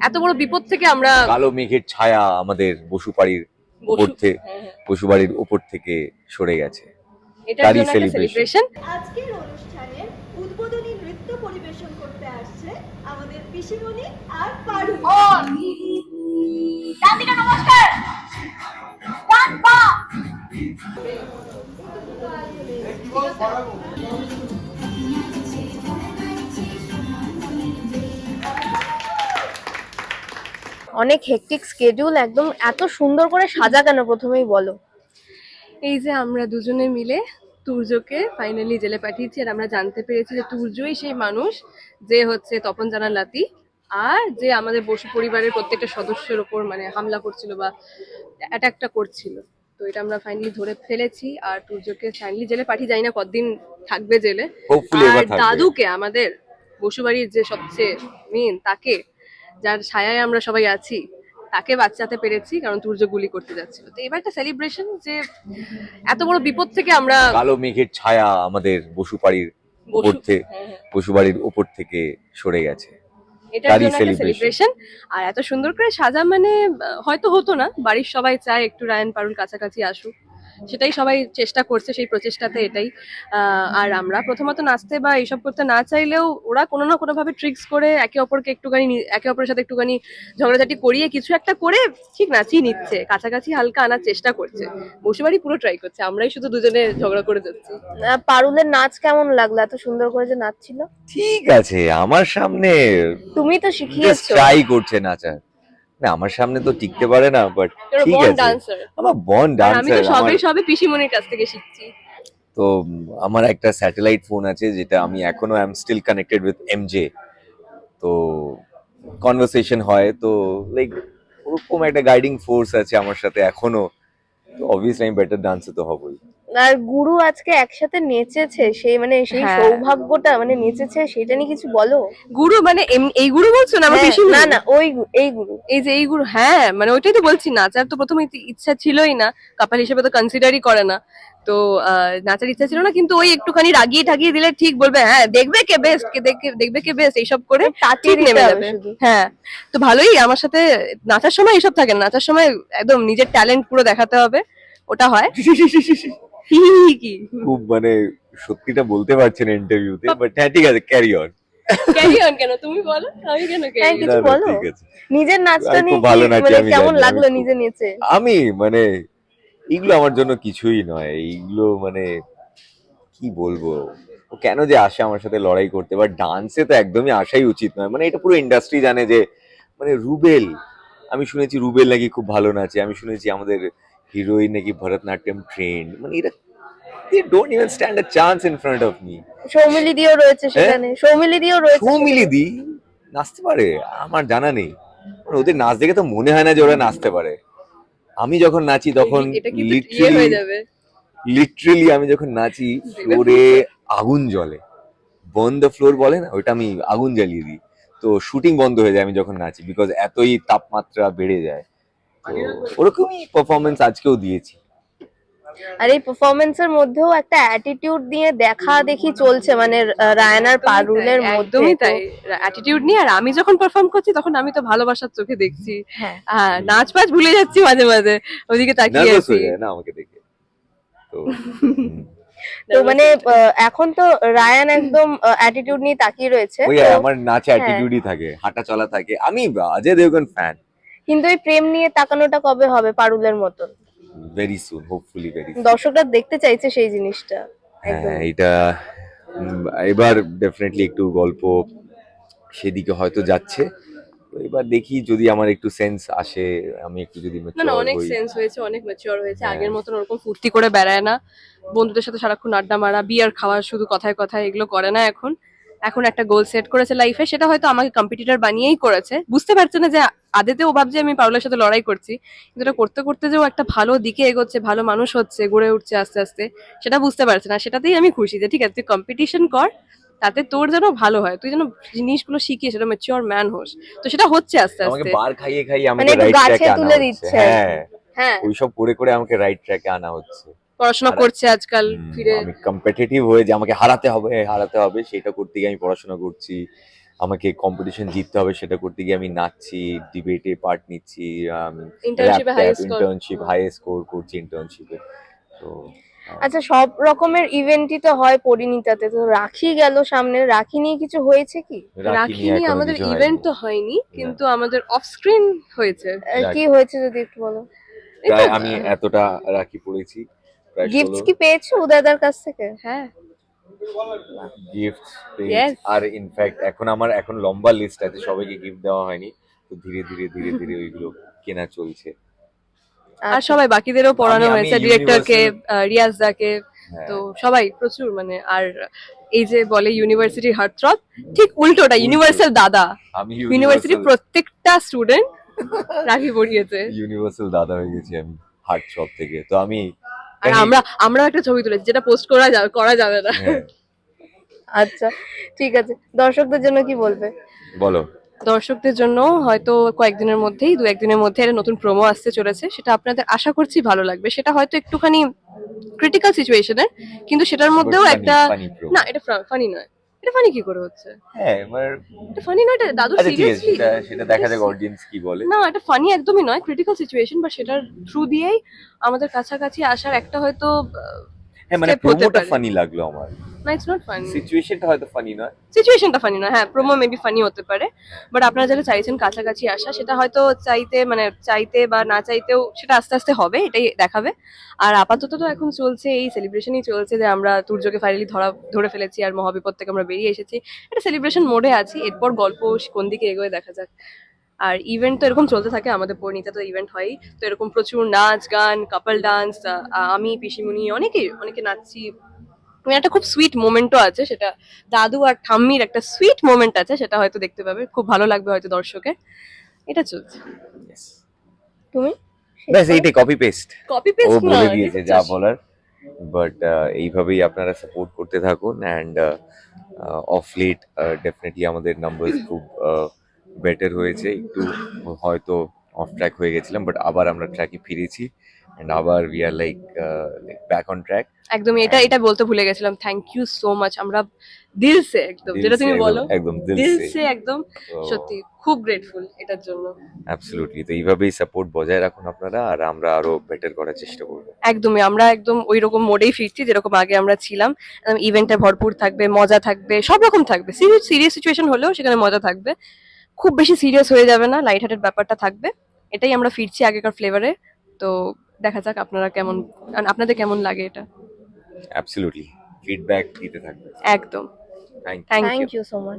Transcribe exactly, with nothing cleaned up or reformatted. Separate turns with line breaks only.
এত বড় বিপদ থেকে আমরা
কালো মেঘের ছায়া আমাদের বসুপাড়ির উপর থেকে বসুবাড়ির উপর থেকে সরে গেছে।
এটার
তারই
জন্য একটা সেলিব্রেশন।
আজকের অনুষ্ঠানে উদ্বোধনী নৃত্য পরিবেশন করতে আসছে আমাদের পিসিমণি আর পারু।
দাদিকা নমস্কার। ডান পা।
অনেক হেকটিক স্কেডিউল, একদম এত সুন্দর করে সাজা কেন প্রথমেই বলো।
এই যে আমরা দুজনে মিলে তুর্যকে ফাইনালি জেলে পাঠিয়েছি, আর আমরা জানতে পেরেছি যে তুর্যই সেই মানুষ যে হচ্ছে তপন জানার লাতি, আর যে আমাদের বসু পরিবারের প্রত্যেকটা সদস্যের ওপর মানে হামলা করছিল বা অ্যাটাকটা করছিল। তো এটা আমরা ফাইনালি ধরে ফেলেছি, আর তুর্যকে ফাইনালি জেলে পাঠিয়ে, যাই না কতদিন থাকবে জেলে।
Hopefully এবার
আর
থাকবে।
দাদুকে, আমাদের বসুবাড়ির যে সবচেয়ে মেন, তাকে যার ছায়ায় আমরা সবাই আছি, তাকে বাঁচাতে পেরেছি, কারণ তুর্য গুলি করতে যাচ্ছিল। তো এবার একটা সেলিব্রেশন যে এত বড় বিপদ থেকে আমরা
কালো মেঘের ছায়া আমাদের বসুপাড়ির উপর
বসু-
থেকে
হ্যাঁ, হ্যাঁ।
বসুবাড়ির উপর থেকে সরে গেছে।
এটার
তারই
জন্য একটা
celebration।
সেলিব্রেশন। আর এত সুন্দর করে সাজা মানে আহ, হয়তো হতো না, বাড়ির সবাই চায় একটু রায়ান পারুল কাছাকাছি আসুক, সেটাই সবাই চেষ্টা করছে, সেই প্রচেষ্টাতে এটাই। আহ, আর আমরা প্রথমত নাচতে বা এইসব করতে না চাইলেও ওরা কোনো না কোনো ভাবে ট্রিক্স করে একে অপরকে একটুখানি নি- একে অপরের সাথে একটুখানি ঝগড়াঝাটি করিয়ে কিছু একটা করে ঠিক নাচিয়ে নিচ্ছে, কাছাকাছি হালকা আনার চেষ্টা করছে। বসুবাড়ি পুরো ট্রাই করছে, আমরাই শুধু দুজনে ঝগড়া করে যাচ্ছি।
আহ, পারুলের নাচ কেমন লাগলো? এত সুন্দর করে যে নাচছিল।
ঠিক আছে, আমার সামনে
তুমি তো শিখিয়েছো।
ট্রাই করছে নাচার। না, আমার সামনে তো টিকতে পারে না, বাট ঠিক
বন
আছে।
ডান্সার,
আমার বন
আর আমি তো
ডান্সার।
সবে সবে পিসিমণির কাছ থেকে শিখছি।
তো উম, আমার একটা স্যাটেলাইট ফোন আছে, যেটা আমি এখনো I am still connected with MJ. তো কনভারসেশন হয়, তো লাইক ওরকম একটা গাইডিং ফোর্স আছে আমার সাথে এখনো। তো অবভিয়াসলি আমি বেটার ডান্সার তো হবই।
আর গুরু আজকে একসাথে নেচেছে, সেই মানে সেই
হ্যাঁ।
সৌভাগ্যটা, মানে নেচেছে, সেটা নিয়ে কিছু বলো।
গুরু মানে এম- এই গুরু বলছো না আমার
হ্যাঁ,
পিসিমণি?
না না, ওই গু- এই গুরু।
এই যে এই গুরু, হ্যাঁ মানে ওইটাই তো বলছি, নাচার তো প্রথমে ইতি- ইচ্ছা ছিলই না, কাপাল হিসেবে তো কনসিডারই করে না। তো আহ, নাচার ইচ্ছা ছিল না, কিন্তু ওই একটুখানি রাগিয়ে ঠাগিয়ে দিলে ঠিক বলবে, হ্যাঁ দেখবে কে বেস্ট, কে দেখে দেখবে কে বেস্ট, এইসব করে
তাকিয়ে
ঠিক
দিতে
নেমে
হবে
যাবে।
শুধু।
হ্যাঁ, তো ভালোই, আমার সাথে নাচার সময় এইসব থাকে না, নাচার সময় একদম নিজের ট্যালেন্ট পুরো দেখাতে হবে, ওটা হয়। হি হি হি কি
খুব মানে সত্যিটা বলতে পারছে না ইন্টারভিউতে, বাট হ্যাঁ ঠিক আছে, ক্যারি অন।
ক্যারি অন কেন তুমি বলো, আমি কেন
হ্যাঁ,
ক্যারি
কিছু বলো।
ঠিক আছে।
নিজের নাচটা
আমি
নিয়ে
খুব ভালো
কি-
নাচি,
মানে
আমি
কেমন
জানি, আমি
লাগলো
খুব-
নিজে নেচে?
আমি মানে এইগুলো আমার জন্য কিছুই নয়, এইগুলো মানে কি বলবো, ও কেন যে আসে আমার সাথে লড়াই করতে, বা ডান্সে তো একদমই আসাই উচিত নয়। মানে এটা পুরো ইন্ডাস্ট্রি জানে যে মানে রুবেল, আমি শুনেছি রুবেল নাকি খুব ভালো নাচে, আমি শুনেছি আমাদের হিরোইন নাকি ভরতনাট্যম ট্রেন্ড, মানে এরা they don't even stand a chance in front of me.
Soumili দিও রয়েছে সেখানে, সৌমিলি দিও রয়েছে
সৌমিলি
সেখানে।
দি নাচতে পারে? আমার জানা নেই, মানে ওদের নাচ দেখে তো মনে হয় না যে ওরা নাচতে পারে। আমি যখন নাচি তখন
এটা কিন্তু ইয়ে
লিটারালি
হয়ে যাবে।
লিটারালি আমি যখন নাচি ফ্লোরে আগুন জ্বলে, বন দ্য ফ্লোর বলে না, ওইটা আমি আগুন জ্বালিয়ে দিই। তো শুটিং বন্ধ হয়ে যায় আমি যখন নাচি, বিকজ এতই তাপমাত্রা বেড়ে যায়। তো ওরকমই পারফরমেন্স আজকেও দিয়েছি।
আর এই পারফরমেন্সের মধ্যেও একটা অ্যাটিটিউড দিয়ে দেখা দেখি চলছে, মানে আহ, রায়ান আর পারুলের মধ্যে।
একদমই
তো-
তাই, অ্যাটিটিউড নিয়ে। আর আমি যখন পারফর্ম করছি তখন আমি তো ভালোবাসার চোখে দেখছি,
হ্যাঁ।
হ্যাঁ নাচ পাচ ভুলে যাচ্ছি মাঝে মাঝে, ওদিকে তাকিয়ে
নার্ভাস
আছি।
হয়ে যায় না আমাকে দেখে। তো হুম।
তো মানে আহ, এখন তো রায়ান একদম অ্যাটিটিউড নিয়ে তাকিয়ে রয়েছে।
ওই
তো-
আমার নাচে অ্যাটিটিউডই থাকে, হাঁটা চলা থাকে। আমি অজয় দেবগন ফ্যান।
কিন্তু এই প্রেম নিয়ে তাকানোটা কবে হবে পারুলের মতন?
Very soon, hopefully very soon.
দর্শকরা দেখতে চাইছে সেই জিনিসটা একদম।
হ্যাঁ, এটা উম, এবার ডেফিনেটলি একটু গল্প সেদিকে হয়তো যাচ্ছে। তো এবার দেখি যদি আমার একটু সেন্স আসে, আমি একটু যদি
না না,
ম্যাচিওর
অনেক
হই।
সেন্স হয়েছে, অনেক ম্যাচিওর হয়েছে,
হ্যাঁ।
আগের মতন ওরকম ফুর্তি করে বেড়ায় না, বন্ধুদের সাথে সারাক্ষণ আড্ডা মারা, বিয়ার খাওয়া শুধু কথায় কথায়, এগুলো করে না এখন। এখন একটা গোল সেট করেছে লাইফে, সেটা হয়তো আমাকে কম্পিটিটর বানিয়েই করেছে, বুঝতে পারছে না যে আদেতে ও ভাবছে আমি পারুলের সাথে লড়াই করছি, কিন্তু এটা করতে করতে যে ও একটা ভালো দিকে এগোচ্ছে, ভালো মানুষ হচ্ছে, গড়ে উঠছে আস্তে আস্তে, সেটা বুঝতে পারছে না। সেটাতেই আমি খুশি যে ঠিক আছে, তুই কম্পিটিশন কর, তাতে তোর যেন ভালো হয়, তুই যেন জিনিসগুলো শিখিয়ে সেটা ম্যাচিওর ম্যান হোস। তো সেটা হচ্ছে আস্তে
আমাকে
আস্তে।
বার খাইয়ে খাইয়ে
মানে
আমাকে
একটু
রাইট
গাছে
ট্র্যাকে আনা
তুলে
হচ্ছে।
দিচ্ছে।
হ্যাঁ,
হ্যাঁ,
ওইসব করে করে আমাকে রাইট ট্র্যাকে আনা হচ্ছে।
পড়াশোনা
আর-
করছে আজকাল
হুম,
ফিরে।
আমি কম্পিটিটিভ হয়ে যে আমাকে হারাতে হবে হারাতে হবে সেটা করতে গিয়ে আমি পড়াশোনা করছি। আমাকে কম্পিটিশন জিততে হবে সেটা করতে গিয়ে আমি নাচছি, ডিবেটে পার্ট নিচ্ছি, আমি
Internship এ high score.
Internship high score করছি ইন্টার্নশিপে। তো আহ,
আচ্ছা, সব রকমের ইভেন্টই তো হয় পরিণীতাতে, তো রাখি গেল সামনে, রাখি নিয়ে কিছু হয়েছে কি?
রাখি
রাখি
নিয়ে
নিয়ে
এখনো
আমাদের
কিছু
ইভেন্ট
হয়নি।
তো হয়নি, কিন্তু আমাদের অফ স্ক্রিন হয়েছে।
আহ,
রাখি।
কি হয়েছে যদি একটু বলো।
এই তো,
প্রায় আমি
আহ,
এতটা রাখি পড়েছি, প্রায়
গিফটস
ষোলো
কি পেয়েছো উদয়দার কাছ থেকে?
হ্যাঁ
গিফট
Yes.
আর ইনফ্যাক্ট এখন আমার এখন লম্বা লিস্ট আছে, সবাইকে গিফট দেওয়া হয়নি, তো ধীরে ধীরে ধীরে ধীরে ওইগুলো কেনা চলছে।
আর
আচ্ছা,
সবাই বাকিদেরও পড়ানো
আমি- আমি
হয়েছে, ডিরেক্টরকে,
Universal-
রিয়াজ দাকে,
হ্যাঁ।
তো সবাই প্রচুর মানে। আর এই যে বলে ইউনিভার্সিটির হার্টথ্রব, ঠিক উল্টোটা,
উল্টো।
ইউনিভার্সাল দাদা।
আমি
ইউনিভার্সিটির প্রত্যেকটা স্টুডেন্ট রাখি পড়িয়েছে।
ইউনিভার্সাল দাদা হয়ে গেছি আমি হার্ট শপ থেকে। তো আমি
আর আমরা আমরা একটা ছবি তুলেছি যেটা পোস্ট করা যাবে করা যাবে না।
হ্যাঁ,
আচ্ছা, ঠিক আছে, দর্শকদের জন্য কি বলবে?
বলো।
দর্শকদের জন্য হয়তো কয়েকদিনের মধ্যেই, দু একদিনের মধ্যে একটা নতুন প্রোমো আসতে চলেছে, সেটা আপনাদের আশা করছি ভালো লাগবে। সেটা হয়তো একটুখানি ক্রিটিক্যাল সিচুয়েশনের, কিন্তু সেটার মধ্যেও
But funny,
একটা,
funny promo.
না এটা ফানি নয়। এটা ফানি কি করে হচ্ছে?
হ্যাঁ এবার
এটা ফানি নয়, এটা দাদু
আচ্ছা ঠিক আছে,
সিরিয়াসলি।
সেটা সেটা দেখা যাক অডিয়েন্স কি বলে।
না, এটা ফানি একদমই নয়, ক্রিটিক্যাল সিচুয়েশন, বা সেটার থ্রু দিয়েই আমাদের কাছাকাছি আসার একটা হয়তো আহ,
হ্যাঁ মানে
step হতে
প্রোমোটা
পারে।
ফানি লাগলো আমার,
না ইটস নট ফানি,
সিচুয়েশনটা হয়তো ফানি নয়।
সিচুয়েশনটা ফানি নয়। হ্যাঁ, প্রোমো মেবি ফানি হতে পারে, বাট আপনারা যারা চাইছেন কাছাকাছি আসা, সেটা হয়তো চাইতে মানে চাইতে বা না চাইতেও সেটা আস্তে আস্তে হবে, এটাই দেখাবে। আর আপাতত তো এখন চলছে এই সেলিব্রেশনই চলছে, যে আমরা তুর্যকে ফাইনালি ধরা ধরে ফেলেছি আর মহাবিপদ থেকে আমরা বেরিয়ে এসেছি, এটা সেলিব্রেশন মোডে আছি। এরপর গল্প কোন দিকে এগোয় দেখা যাক। আর ইভেন্ট তো এরকম চলতে থাকে, আমাদের পরিণীতা তো ইভেন্ট হয়ই, তো এরকম প্রচুর নাচ গান, কাপল ডান্স, আমি পিসিমণি অনেকে অনেকে নাচছি। মানে একটা খুব সুইট মোমেন্টও আছে, সেটা দাদু আর ঠাম্মির একটা সুইট মোমেন্ট আছে, সেটা হয়তো দেখতে পাবে, খুব ভালো লাগবে হয়তো দর্শকের। এটা চলছে।
তুমি
ব্যাস এইটাই কপি পেস্ট,
কপি
ও
পেস্ট
বলে দিয়েছে যা বলার। বাট এইভাবেই আপনারা সাপোর্ট করতে থাকুন, অ্যান্ড অফ লেট ডেফিনেটলি আমাদের নাম্বারস খুব বেটার হয়েছে। একটু হয়তো অফ ট্র্যাক হয়ে গেছিলাম, বাট আবার আমরা ট্র্যাকে ফিরেছি, অ্যান্ড আবার we are like back on track.
একদমই, এটা এটা বলতে ভুলে গেছিলাম, থ্যাংক ইউ সো মাচ। আমরা দিল সে একদম, যেটা তুমি বলো
একদম দিল
দিল
সে
সে একদম সত্যি খুব গ্রেটফুল এটার জন্য।
অ্যাবসলিউটলি। তো এইভাবেই সাপোর্ট বজায় রাখুন আপনারা, আর আমরা আরো বেটার করার চেষ্টা করবো।
একদমই, আমরা একদম ওই রকম মোডেই ফিরছি যেরকম আগে আমরা ছিলাম। ইভেন্টে ভরপুর থাকবে, মজা থাকবে, সব রকম থাকবে। সিরিয়াস সিরিয়াস সিচুয়েশন হলেও সেখানে মজা থাকবে, খুব বেশি সিরিয়াস হয়ে যাবে না, লাইট হার্টেড ব্যাপারটা থাকবে। এটাই আমরা ফিরছি আগেকার ফ্লেভারে। তো দেখা যাক আপনারা কেমন, আপনাদের কেমন লাগে এটা।
অ্যাবসলিউটলি ফিডব্যাক দিতে থাকবে।
একদম,
thank you.
Thank you.
Thank you so much.